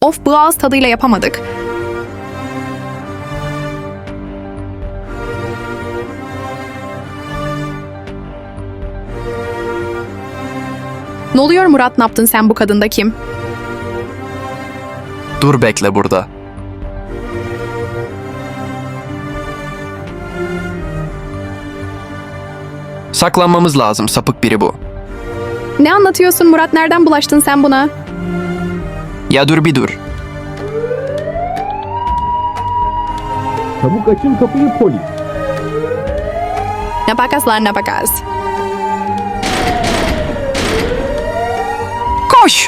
Of, bu ağız tadıyla yapamadık. Ne oluyor Murat, ne yaptın sen, bu kadın da kim? Dur bekle burada. Saklanmamız lazım, sapık biri bu. Ne anlatıyorsun Murat, nereden bulaştın sen buna? Ya dur bir dur. Çabuk açın kapıyı polis. Ne bakaslar, ne bakas. Koş!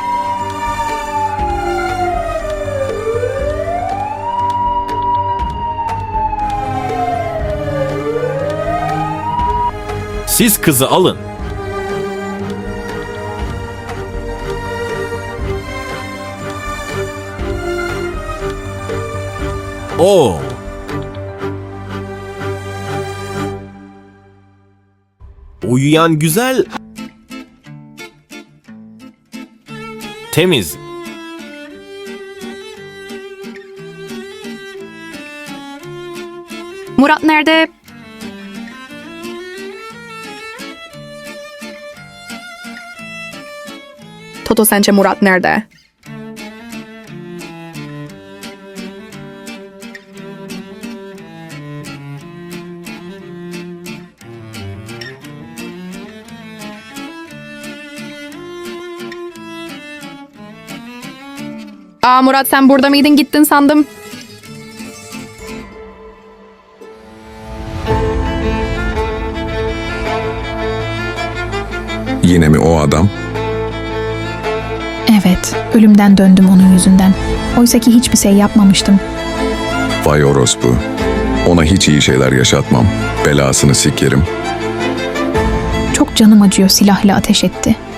Siz kızı alın. Oo. Uyuyan güzel. Temiz. Murat nerede? Toto, sence Murat nerede? Aa Murat, sen burada mıydın, gittin sandım. Yine mi o adam? Evet, ölümden döndüm onun yüzünden. Oysa ki hiçbir şey yapmamıştım. Vay orospu. Ona hiç iyi şeyler yaşatmam. Belasını sikerim. Çok canım acıyor, silahla ateş etti.